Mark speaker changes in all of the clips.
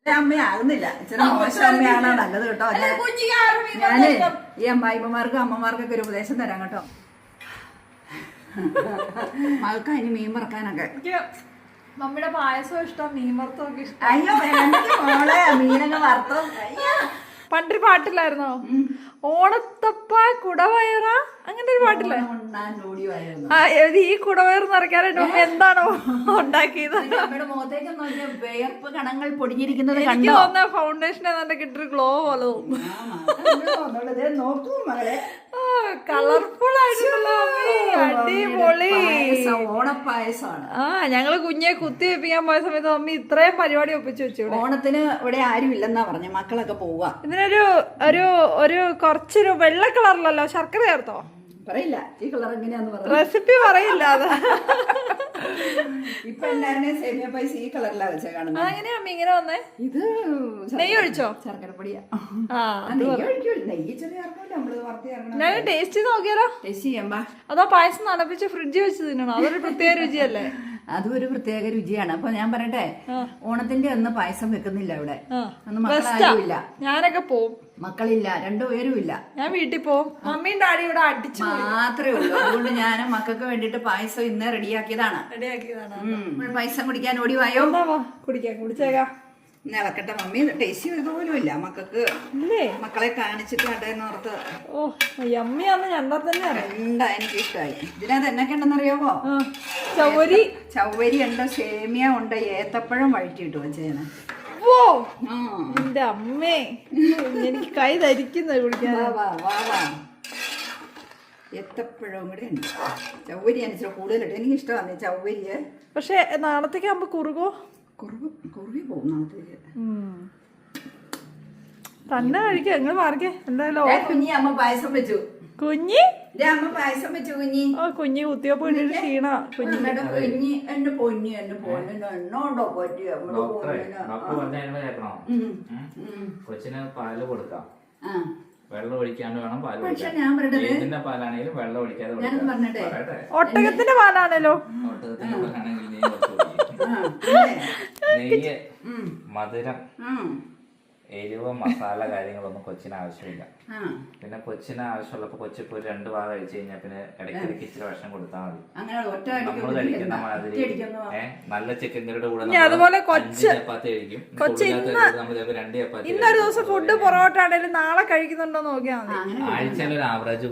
Speaker 1: അമ്മയാകുന്നില്ല, ഇച്ചിരി മോശം അമ്മയാണ് നല്ലത് കേട്ടോ. ഞാന് ഈ അമ്മായിമ്മമാർക്കും അമ്മമാർക്കൊക്കെ ഒരു ഉപദേശം തരാം കേട്ടോ. മകൾക്ക് അതിന് മീൻ വറക്കാനൊക്കെ.
Speaker 2: മമ്മിയുടെ പായസം ഇഷ്ടം, മീൻ വറുത്തൊക്കെ ഇഷ്ടം.
Speaker 1: അയ്യോ മോളെ മീനൊക്കെ വറുത്തോ.
Speaker 2: പണ്ടൊരു പാട്ടില്ലായിരുന്നോ, ഓണത്തപ്പ കുടവയറ, അങ്ങനെ ഒരു പാട്ടില്ലേ? ഈ കുടവയർ നിറയ്ക്കാനായിട്ട് മമ്മി എന്താണോ ഉണ്ടാക്കിയത്?
Speaker 1: മുഖത്തേക്ക് നോക്കിയ വേർപ്പ് കണങ്ങൾ പൊടിഞ്ഞിരിക്കുന്നത്
Speaker 2: എനിക്ക് തോന്നുന്ന ഫൗണ്ടേഷൻ ഏതാണ്ട് കിട്ടൊരു ഗ്ലോ പോലെ തോന്നുന്നു.
Speaker 1: നോക്കൂ മകളെ,
Speaker 2: കളർഫുൾ ആയിട്ടുണ്ടല്ലോ, അടിപൊളി
Speaker 1: ഓണപ്പായസമാണ്.
Speaker 2: ഞങ്ങള് കുഞ്ഞെ കുത്തി വെപ്പിക്കാൻ പോയ സമയത്ത് മമ്മി ഇത്രയും പരിപാടി ഒപ്പിച്ചു വെച്ചു.
Speaker 1: ഓണത്തിന് ഇവിടെ ആരും ഇല്ലെന്നാ പറഞ്ഞ, മക്കളൊക്കെ പോവുക.
Speaker 2: ഇതിനൊരു ഒരു ഒരു കുറച്ചൊരു വെള്ള കളറിലല്ലോ, ശർക്കര ചേർത്തോ?
Speaker 1: പറയില്ല ഈ കളർ എങ്ങനെയാന്ന് പറഞ്ഞു,
Speaker 2: റെസിപ്പി പറയില്ല. അത്
Speaker 1: ഇപ്പൊ എല്ലാവരുടെയും സേമിയ പായസ ഈ കളറിലാ വെച്ചാ കാണുന്നത്.
Speaker 2: അതെങ്ങനെയാ അമ്മ ഇങ്ങനെ വന്നേ?
Speaker 1: ഇത്
Speaker 2: നെയ്യ് ഒഴിച്ചോ?
Speaker 1: ശർക്കരപ്പൊടിയാ.
Speaker 2: ഞാൻ ടേസ്റ്റ് ചെയ്ത് നോക്കിയാലോ?
Speaker 1: ടേസ്റ്റ് ചെയ്യാമ്പാ.
Speaker 2: അതോ പായസം നനപ്പിച്ച് ഫ്രിഡ്ജിൽ വെച്ച് തിന്നണോ? അതൊരു പ്രത്യേക രുചിയല്ലേ?
Speaker 1: അതും ഒരു പ്രത്യേക രുചിയാണ്. അപ്പൊ ഞാൻ പറയട്ടെ, ഓണത്തിന്റെ അന്ന് പായസം വെക്കുന്നില്ല ഇവിടെ. അന്ന് മക്കളാരുമില്ല.
Speaker 2: ഞാനൊക്കെ പോവും,
Speaker 1: മക്കളില്ല, രണ്ടുപേരും ഇല്ല.
Speaker 2: ഞാൻ വീട്ടിൽ പോവും. മമ്മിയും ഡാഡി ഇവിടെ അടിച്ചു
Speaker 1: മാത്രമേ ഉള്ളൂ. അതുകൊണ്ട് ഞാൻ മക്കൾക്ക് വേണ്ടിട്ട് പായസം ഇന്ന് റെഡിയാക്കിയതാണ്. പായസം കുടിക്കാൻ ഓടി വായോ.
Speaker 2: കുടിക്കാം, കുടിച്ചേക്കാം.
Speaker 1: ഇളക്കട്ടെ മമ്മി. ടേസ്റ്റ് ചെയ്ത പോലും ഇല്ല മക്കൾക്ക്, മക്കളെ കാണിച്ചിട്ട് കണ്ടെന്ന് ഓർത്ത്.
Speaker 2: ഓ യമ്മിയാന്ന് ഞണ്ടാ തന്നെ
Speaker 1: എന്താ എനിക്ക് ഇഷ്ടമായി. ഇതിനകത്ത് എന്നൊക്കെ ഉണ്ടെന്നറിയാമോ? ചവ്വരി ഉണ്ട്, സേമിയ ഉണ്ട്, ഏത്തപ്പഴം വഴറ്റിയിട്ട് വെച്ചേനെ.
Speaker 2: ഓ എന്റെ അമ്മേ, എനിക്ക് കൈ ധരിക്കുന്നത് കുടിക്കാൻ.
Speaker 1: ഏത്തപ്പഴവും കൂടെ ഉണ്ട്. ചവ്വരി അനുസരിച്ച് കൂടുതലിട്ട് എനിക്ക് ഇഷ്ടമാണ് ചവ്വരിയെ.
Speaker 2: പക്ഷെ നാളത്തേക്ക് ആകുമ്പോ കുറുകോ?
Speaker 1: കുറുകി പോകും നാളത്തേക്ക്.
Speaker 2: തന്നെ കഴിക്കുക, നിങ്ങൾ മാറിക്കേ. എന്തായാലും
Speaker 1: കുഞ്ഞി അമ്മ പായസം വെച്ചു.
Speaker 2: കുഞ്ഞി
Speaker 1: അമ്മ പായസം വെച്ചു. കുഞ്ഞി
Speaker 2: കുഞ്ഞി കുത്തിയപ്പോ ക്ഷീണ. കുഞ്ഞി
Speaker 1: എന്റെ പൊന്നി എന്റെ പൊന്നിന് എണ്ണോണ്ടോ പറ്റി
Speaker 3: കൊച്ചിന് പാല് കൊടുക്കാം, വെള്ളം ഒഴിക്കാണ്ട് വേണം പാല്.
Speaker 1: പക്ഷെ ഞാൻ
Speaker 3: ഏതിന്റെ പാലാണെങ്കിലും വെള്ളം ഒഴിക്കാതെ.
Speaker 2: ഒട്ടകത്തിന്റെ പാലാണല്ലോ.
Speaker 3: ഒട്ടകത്തിന്റെ പാലാണെങ്കിൽ നെയ്യ്, മധുരം, എരിവ്, മസാല കാര്യങ്ങളൊന്നും കൊച്ചിന് ആവശ്യമില്ല. പിന്നെ കൊച്ചിന് ആവശ്യമുള്ളപ്പോ കൊച്ചിപ്പോ 2 ഭാഗം കഴിച്ചു കഴിഞ്ഞാൽ പിന്നെ ഇടയ്ക്കിടയ്ക്ക് ഇച്ചിരി ഭക്ഷണം കൊടുത്താൽ മതി. നമ്മൾ കഴിക്കുന്ന മാതിരി നല്ല ചിക്കൻ കറിയുടെ കൂടെ
Speaker 2: അതുപോലെ
Speaker 3: 5 ചപ്പാത്തി കഴിക്കും. നമ്മൾ 2 ചപ്പാത്തി.
Speaker 2: ഇന്നൊരു ദിവസം ഫുഡ് പൊറോട്ട ആണെങ്കിലും നാളെ കഴിക്കുന്നുണ്ടോ നോക്കിയാൽ മതി.
Speaker 3: ആഴ്ചയിൽ ഒരു ആവറേജ്.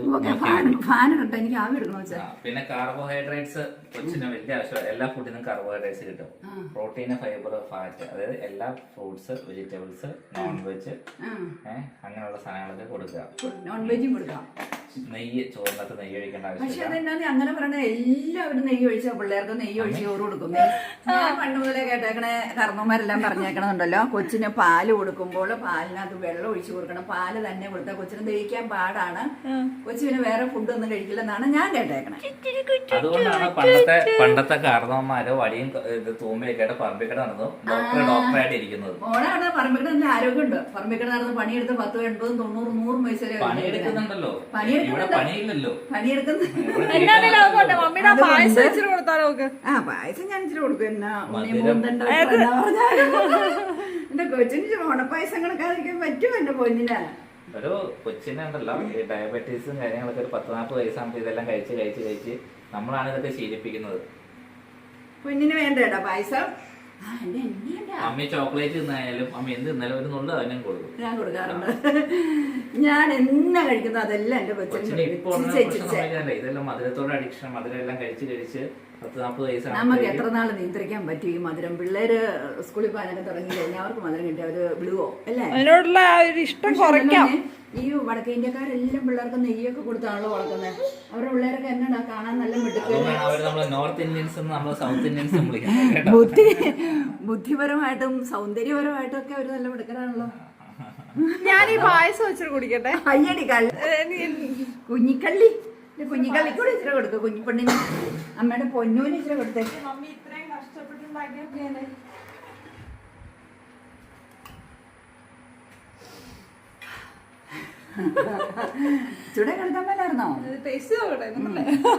Speaker 3: പിന്നെ കാർബോഹൈഡ്രേറ്റ്സ് കൊച്ചിന് വലിയ ആവശ്യമാണ്. എല്ലാ ഫുഡിനും കാർബോഹൈഡ്രേറ്റ്സ് കിട്ടും. പ്രോട്ടീന്, ഫൈബർ, ഫാറ്റ്, അതായത് എല്ലാ ഫ്രൂട്ട്സ്, വെജിറ്റബിൾസ്, നോൺ വെജ്, അങ്ങനെയുള്ള സാധനങ്ങളൊക്കെ കൊടുക്കുക.
Speaker 1: നോൺ വെജും കൊടുക്കാം.
Speaker 3: നെയ്യ്, ചോറിനകത്ത് നെയ്യ് ഒഴിക്കേണ്ട ആവശ്യമില്ല.
Speaker 1: പക്ഷെ അതെന്നാ അങ്ങനെ പറഞ്ഞ എല്ലാവരും നെയ്യ് ഒഴിച്ച പിള്ളേർക്ക് നെയ്യ് ഒഴിച്ച് ചോറ് കൊടുക്കും. ഞാൻ പണ്ട് മുതലേ കേട്ടേക്കണേ, കർമ്മമാരെല്ലാം പറഞ്ഞേക്കണമെന്നുണ്ടല്ലോ, കൊച്ചിന് പാല് കൊടുക്കുമ്പോൾ പാലിനകത്ത് വെള്ളം ഒഴിച്ചു കൊടുക്കണം. പാല് തന്നെ കൊടുത്താൽ കൊച്ചിന് ദഹിക്കാൻ പാടാണ്, കൊച്ചിന് വേറെ ഫുഡൊന്നും കഴിക്കില്ലെന്നാണ് ഞാൻ കേട്ടേക്കണേ.
Speaker 3: അതുകൊണ്ടാണ് പണ്ടത്തെ കാരണവന്മാരോ വടിയും തൂമ്പയൊക്കെ പറമ്പിക്കട നടന്നു ഡോക്ടറായിട്ട് ഇരിക്കുന്നത്.
Speaker 1: ഓണാണ് പറമ്പിക്കട നല്ല ആരോഗ്യമുണ്ട്. പറമ്പിക്കട നടന്ന് പണിയെടുത്ത് 10, 80, 90, 100 വയസ്സ് വരെ
Speaker 3: പണിയെടുക്കുന്നുണ്ടല്ലോ. പണിയില്ലല്ലോ,
Speaker 1: പായസം ഞാൻ ഇച്ചിരി കൊടുക്കും. എന്റെ കൊച്ചിന് ഓണപ്പായസം കണക്കാതിരിക്കാൻ പറ്റുമോ എന്റെ പൊന്നിന്?
Speaker 3: ഒരു കൊച്ചിനുണ്ടല്ലോ ഈ ഡയബറ്റീസും കാര്യങ്ങളൊക്കെ ഒരു 10-40 വയസ്സാകുമ്പോൾ ഇതെല്ലാം കഴിച്ച് നമ്മളാണ് ഇതൊക്കെ ശീലിപ്പിക്കുന്നത്.
Speaker 1: പൊന്നിന് വേണ്ടേടാ പായസം.
Speaker 3: അമ്മ ചോക്ലേറ്റ് തിന്നായാലും അമ്മ എന്ത് തിന്നാലും ഒരു നുള്ളു അതിനും കൊടുക്കും.
Speaker 1: ഞാൻ കൊടുക്കാറുണ്ട്. ഞാൻ എന്നാ കഴിക്കുന്നത് അതെല്ലാം എന്റെ കൊച്ചിന്.
Speaker 3: ഇതെല്ലാം മധുരത്തോടെ അഡിക്ഷൻ, മധുരം എല്ലാം കഴിച്ച് 10-40 വയസ്സാണ്.
Speaker 1: നമുക്ക് എത്ര നാൾ നിയന്ത്രിക്കാൻ പറ്റും ഈ മധുരം? പിള്ളേര് സ്കൂളിൽ പോകാനൊക്കെ തുടങ്ങി കഴിഞ്ഞാൽ അവർക്ക് മധുരം കിട്ടി അവര് വിടുവോ? അല്ലേ?
Speaker 2: അതിനോടുള്ള ഇഷ്ടം കുറയ്ക്കാം.
Speaker 1: ഈ വടക്കേ ഇന്ത്യക്കാരെല്ലാം പിള്ളേർക്ക് നെയ്യൊക്കെ കൊടുത്താണല്ലോ വളർത്തുന്നത്. അവരുടെ പിള്ളേരൊക്കെ എന്നാ കാണാൻ നല്ല മിടുക്ക്.
Speaker 3: നോർത്ത് ഇന്ത്യൻസ്, സൗത്ത് ഇന്ത്യൻസ്
Speaker 1: ബുദ്ധിപരമായിട്ടും സൗന്ദര്യപരമായിട്ടും ഒക്കെ അവര് നല്ല മിടുക്കരാണല്ലോ.
Speaker 2: ഞാൻ ഈ പായസം വെച്ചിട്ട് കുടിക്കട്ടെ.
Speaker 1: അയ്യടി കുഞ്ഞിക്കള്ളി, കുഞ്ഞിക്കള്ളിക്കൂടെ ഇച്ചിരി കൊടുക്കുക. കുഞ്ഞിപ്പെണ്ണിന് അമ്മയുടെ പൊന്നൂന് ഇച്ചിരി കൊടുത്തേ.
Speaker 2: മമ്മി ഇത്രയും കഷ്ടപ്പെട്ടുണ്ടാക്കിയ
Speaker 1: ചൂടെ കിടത്താൻ പറ്റായിരുന്നോ?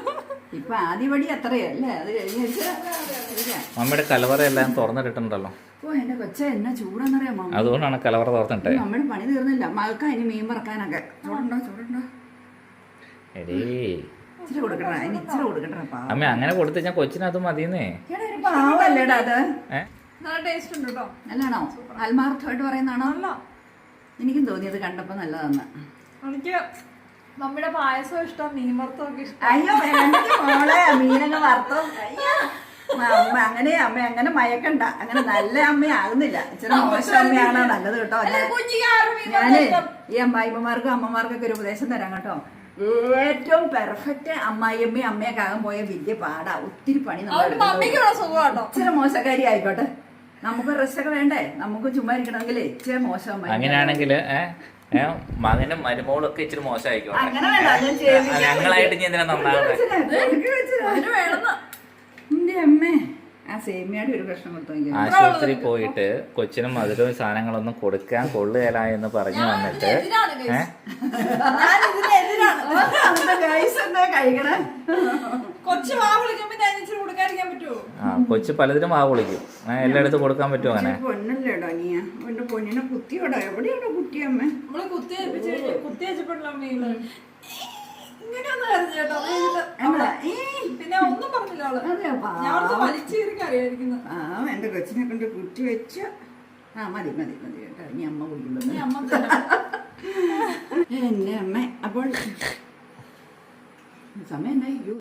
Speaker 1: ഇപ്പൊ ആദ്യപടി അത്രയല്ലേ, അത് കഴിഞ്ഞ
Speaker 3: മമ്മിയുടെ കലവറ എല്ലാം തുറന്നിട്ടുണ്ടല്ലോ.
Speaker 1: ഓ എന്റെ കൊച്ച എന്നാ ചൂടാന്നറിയാമോ?
Speaker 3: അതുകൊണ്ടാണ് കലവറ തോർത്തിട്ടെ.
Speaker 1: നമ്മുടെ പണി തീർന്നില്ല. മഴക്ക അതിന് മീൻ പറക്കാനൊക്കെ. ചൂടുണ്ടോ?
Speaker 3: എടീ
Speaker 1: ഇച്ചിരി കൊടുക്കണ, അതിന് ഇച്ചിരി കൊടുക്കണ്ട.
Speaker 3: അമ്മ അങ്ങനെ കൊടുത്തു ഞാൻ കൊച്ചിന് അത് മതിയെന്നേ.
Speaker 1: ഒരു പാവല്ലേടാ അത്.
Speaker 2: നല്ല ടേസ്റ്റ് ഉണ്ട് കേട്ടോ.
Speaker 1: നല്ലതാണോ? ആത്മാർത്ഥമായിട്ട് പറയുന്നതാണോ? എനിക്കും തോന്നിയത് കണ്ടപ്പോ നല്ലതാന്ന്.
Speaker 2: എനിക്ക് നമ്മുടെ പായസം ഇഷ്ടം, മീൻ വറുത്തമൊക്കെ ഇഷ്ടം.
Speaker 1: അയ്യോ മോളെ മീനങ്ങ് വറുത്തോ. അയ്യോ അമ്മ അങ്ങനെ മയക്കണ്ട. അങ്ങനെ നല്ല അമ്മയാകുന്നില്ല. ഇച്ചിരി മോശം അമ്മയാണ് നല്ലത് കേട്ടോ. ഞാന് ഈ അമ്മായിമ്മമാർക്കും അമ്മമാർക്കൊക്കെ ഒരു ഉപദേശം തരാം കേട്ടോ. ഏറ്റവും പെർഫെക്റ്റ് അമ്മായിയമ്മയും അമ്മയൊക്കെ ആകാൻ പോയ വലിയ പാടാ. ഒത്തിരി പണി ഇച്ചിരി മോശക്കാരി ആയിക്കോട്ടെ. നമുക്ക് റെസ്റ്റ് ഒക്കെ വേണ്ടേ? നമുക്ക് ചുമ്മാ ഇരിക്കണമെങ്കിലേ ഇച്ചിരി മോശം.
Speaker 3: അങ്ങനെയാണെങ്കിൽ മകനും മരുമോളും ഒക്കെ ഇച്ചിരി മോശമായിക്കോട്ടെ.
Speaker 1: അങ്ങനെ വേണ്ട.
Speaker 3: ഞങ്ങളായിട്ട് ഇനി എന്തിനാ നന്നാവുന്നത്?
Speaker 1: അമ്മേ ആ സേമിയയുടെ ഒരു പ്രശ്നം കൊടുത്തു.
Speaker 3: ആശുപത്രി പോയിട്ട് കൊച്ചിനും മധുരവും സാധനങ്ങളൊന്നും കൊടുക്കാൻ കൊള്ളുകയില്ല എന്ന് പറഞ്ഞു വന്നിട്ട്
Speaker 1: കഴിക്കണേ.
Speaker 3: കൊച്ചു പലതിനും വാ വിളിക്കും. എല്ലായിടത്തും കൊടുക്കാൻ പറ്റുമോ അങ്ങനെ?
Speaker 1: പൊന്നല്ലേടോ നീ എന്റെ പൊന്നിനെ കുത്തിയോടോ? എവിടെയാണോ കുത്തിയമ്മ?
Speaker 2: നമ്മള് കുത്തിയപ്പോഴല്ലോ മീന് പിന്നെ ഒന്നും പറഞ്ഞില്ല അവള്. ഞാൻ വലിച്ചേരിക്ക് അറിയായിരിക്കുന്നു.
Speaker 1: എന്റെ കൊച്ചിനെ കൊണ്ട് കുത്തി വെച്ച. മതി കേട്ടോ. ഇനി അമ്മ കുടിക്കുമ്പോ എന്നെ അമ്മ. അപ്പോൾ സമയം എന്തായി?